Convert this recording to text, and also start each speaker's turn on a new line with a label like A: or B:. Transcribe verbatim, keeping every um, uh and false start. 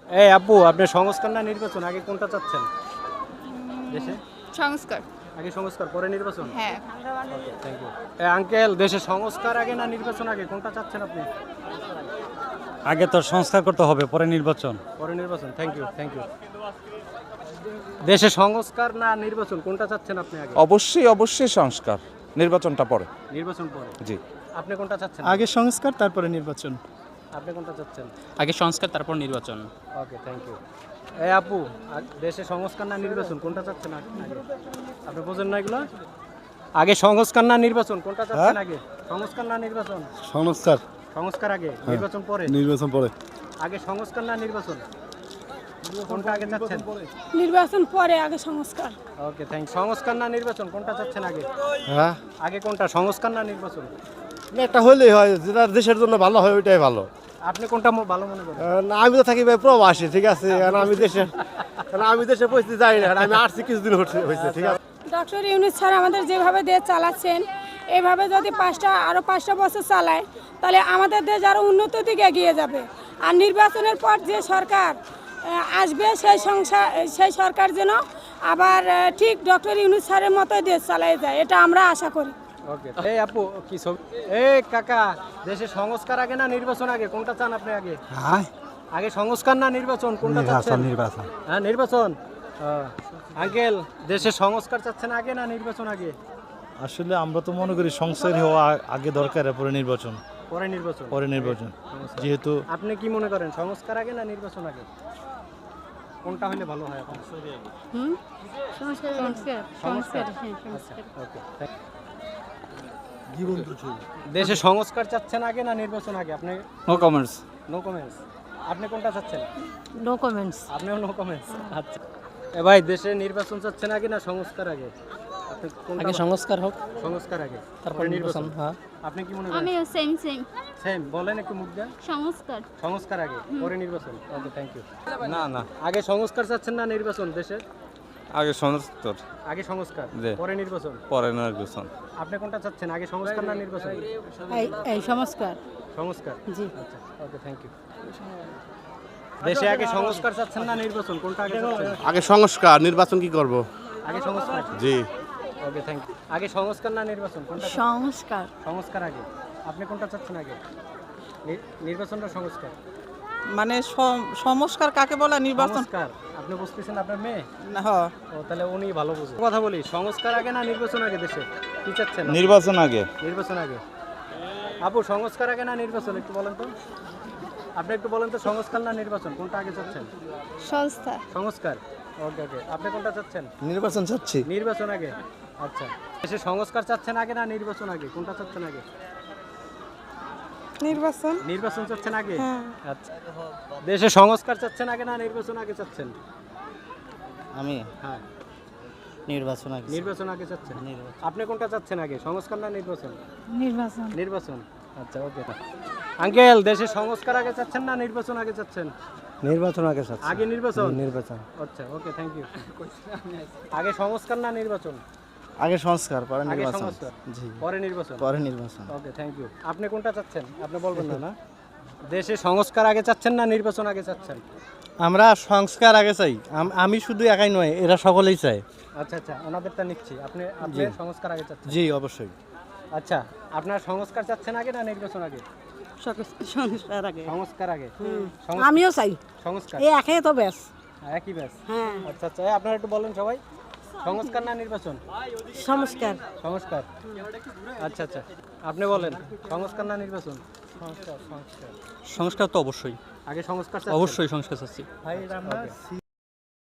A: এই আপু, আপনি সংস্কার না নির্বাচন, আগে কোনটা চাচ্ছেন দেশে?
B: সংস্কার।
A: আগে সংস্কার, পরে নির্বাচন।
B: হ্যাঁ।
A: Thank you. এই আঙ্কেল, দেশে সংস্কার আগে না নির্বাচন আগে, কোনটা চাচ্ছেন আপনি?
C: আগে তো সংস্কার করতে হবে, পরে নির্বাচন।
A: পরে নির্বাচন। Thank you, thank you. দেশে সংস্কার না নির্বাচন, কোনটা চাচ্ছেন আপনি আগে?
D: অবশ্যই অবশ্যই সংস্কার, নির্বাচনটা পরে।
A: নির্বাচন পরে।
D: জি।
A: আপনি কোনটা চাচ্ছেন?
E: আগে সংস্কার তারপরে নির্বাচন।
A: আপনি কোনটা চাচ্ছেন?
F: আগে সংস্কার তারপর নির্বাচন।
A: Okay, thank you. এই আপু, আ- দেশে সংস্কার না নির্বাচন, কোনটা চাচ্ছেন আগে? আপনি বোঝেন না এগুলো? আগে সংস্কার না নির্বাচন, কোনটা চাচ্ছেন আগে? সংস্কার না নির্বাচন?
E: সংস্কার।
A: সংস্কার আগে, নির্বাচন পরে।
E: নির্বাচন পরে।
A: আগে সংস্কার না নির্বাচন, কোনটা আগে চাচ্ছেন?
B: নির্বাচন পরে, আগে সংস্কার।
A: Okay, thank. সংস্কার না নির্বাচন, কোনটা চাচ্ছেন আগে?
E: হ্যাঁ,
A: আগে কোনটা, সংস্কার না নির্বাচন?
E: একটা হলেই হয়, যেটা দেশের জন্য ভালো হয় ওইটাই ভালো।
A: আপনি কোনটা ম- ভালো মনে করেন?
E: না, আমি তো থাকি ভাই প্রবাসী, ঠিক আছে, কারণ আমি দেশে কারণ আমি দেশে পরিস্থিতি যাই না, আমি আসছি কিছুদিন হচ্ছে- হয়েছে, ঠিক আছে।
B: ডক্টর ইউনূস স্যার আমাদের যেভাবে দেশ চালাচ্ছেন, এভাবে যদি পাঁচটা আরও পাঁচটা বছর চালায়, তাহলে আমাদের দেশ আরও উন্নতির দিকে এগিয়ে যাবে। আর নির্বাচনের পর যে সরকার আহ, আসবে, সেই সংসার সেই সরকার যেন আবার আহ, ঠিক ডক্টর ইউনূস স্যারের মতোই দেশ চালায় যায়, এটা আমরা আশা করি।
A: ওকে। এই আপু, কি ছবি? এই কাকা, দেশে সংস্কার আগে না নির্বাচন আগে, কোনটা চান আপনি আগে?
C: হ্যাঁ,
A: আগে সংস্কার না নির্বাচন, কোনটা চাচ্ছেন?
C: নির্বাচন।
A: হ্যাঁ, নির্বাচন। আঙ্কেল, দেশে সংস্কার চাচ্ছেন আগে না নির্বাচন আগে?
G: আসলে আমরা তো মনে করি সংস্কার হওয়া আগে দরকার, পরে নির্বাচন।
A: পরে নির্বাচন।
G: পরে নির্বাচন, যেহেতু
A: আপনি কি মনে করেন, সংস্কার আগে না নির্বাচন আগে, কোনটা হলে ভালো হয় আপনার?
B: সংস্কার সংস্কার
A: সংস্কার। ওকে। দেশে সংস্কার চাচ্ছেন আগে না নির্বাচন আগে? আপনি
F: নো কমেন্টস।
A: No comments. আপনি কোনটা চাচ্ছেন?
B: No comments.
A: আপনিও নো কমেন্টস। আচ্ছা। এ ভাই, দেশে নির্বাচন চাচ্ছেন আগে না সংস্কার আগে? আপনি কোনটা?
F: আগে সংস্কার হোক,
A: সংস্কার আগে,
F: তারপর নির্বাচন। হ্যাঁ,
A: আপনি কি মনে করেন?
H: আমিও সেম সেম
A: সেম বলেন একটু মুখ দেন।
H: সংস্কার।
A: সংস্কার আগে, পরে নির্বাচন। Okay, thank you.
D: না না,
A: আগে সংস্কার চাচ্ছেন না নির্বাচন দেশে?
D: আগে সংস্কার,
A: আগে সংস্কার,
D: জি।
A: পরে নির্বাচন।
D: পরে নির্বাচন।
A: আপনি কোনটা চাচ্ছেন, আগে সংস্কার না নির্বাচন?
B: এই সংস্কার।
A: সংস্কার।
B: জি।
A: আচ্ছা, ওকে, থ্যাংক ইউ। দেশে আগে সংস্কার চাচ্ছেন না নির্বাচন, কোনটা আগে চাচ্ছেন?
E: আগে সংস্কার, নির্বাচন কি করব?
A: আগে সংস্কার।
E: জি।
A: Okay, thank you. আগে সংস্কার না নির্বাচন, কোনটা চাচ্ছেন?
B: সংস্কার।
A: সংস্কার আগে। আপনি কোনটা চাচ্ছেন আগে? নি- নির্বাচন না সংস্কার?
I: মানে সম- সংস্কার কাকে বলে? নির্বাচন।
A: সংস্কার। আপনি বুঝতেছেন আপনার মেয়ে?
I: না, হ্যাঁ।
A: ও, তাহলে উনি ভালো বুঝে। কথা বলি, সংস্কার আগে না নির্বাচন আগে দেশে, কি চাচ্ছেন?
D: নির্বাচন আগে।
A: নির্বাচন আগে। আপু, সংস্কার আগে না নির্বাচন, একটু বলেন তো। আপনি একটু বলেন তো, সংস্কার না নির্বাচন, কোনটা আগে চাচ্ছেন?
B: সংস্কার।
A: সংস্কার। ওকে, ওকে। আপনি কোনটা চাচ্ছেন?
E: নির্বাচন চাচ্ছি।
A: নির্বাচন আগে। আচ্ছা। দেশে সংস্কার চাচ্ছেন আগে না নির্বাচন আগে, কোনটা চাচ্ছেন আগে?
B: নির্বাচন।
A: নির্বাচন চাচ্ছেন আগে। আচ্ছা। দেশে সংস্কার চাচ্ছেন আগে না নির্বাচন আগে চাচ্ছেন?
F: আমি
A: হ্যাঁ,
F: নির্বাচন আগে।
A: নির্বাচন আগে চাচ্ছেন। আপনি কোনটা চাচ্ছেন আগে, সংস্কার না নির্বাচন?
B: নির্বাচন।
A: নির্বাচন। আচ্ছা, ওকে। আঙ্কেল, দেশে সংস্কার আগে চাচ্ছেন না নির্বাচন আগে চাচ্ছেন?
E: নির্বাচন আগে চাচ্ছি।
A: আগে নির্বাচন।
E: নির্বাচন।
A: আচ্ছা, ওকে, থ্যাংক ইউ। আগে সংস্কার না নির্বাচন?
E: আগে সংস্কার, পরে
A: আগে
E: নির্বাচন।
A: সংস্কার,
E: জি।
A: পরে নির্বাচন।
E: পরে নির্বাচন।
A: Okay, thank you. আপনি কোনটা চাচ্ছেন? আপনি বলবেন না না? দেশে সংস্কার আগে চাচ্ছেন না নির্বাচন আগে চাচ্ছেন?
E: আমরা সংস্কার আগে চাই, আম- আমি শুধু একাই নয়, এরা সকলেই চায়।
A: আচ্ছা, আচ্ছা, ওনাদেরটা নিচ্ছি। আপনি আপনি সংস্কার আগে চাচ্ছেন?
E: জি, অবশ্যই।
A: আচ্ছা, আপনার সংস্কার চাচ্ছেন আগে না নির্বাচন আগে?
B: সংস্কার আগে।
A: সংস্কার আগে। সংস্কার-
B: আমিও চাই,
A: সংস্কার।
B: এই একে তো ব্যাস।
A: একই ব্যাস।
B: হ্যাঁ।
A: আচ্ছা, আচ্ছা, এই আপনারা একটু বলেন সবাই, সংস্কার না নির্বাচন?
B: সংস্কার।
A: সংস্কার। আচ্ছা, আচ্ছা, আপনি বলেন, সংস্কার না নির্বাচন? সংস্কার। সংস্কার
F: সংস্কার তো অবশ্যই,
A: আগে সংস্কার চাচ্ছেন?
F: অবশ্যই সংস্কার চাচ্ছি।
A: ভাই, আমরা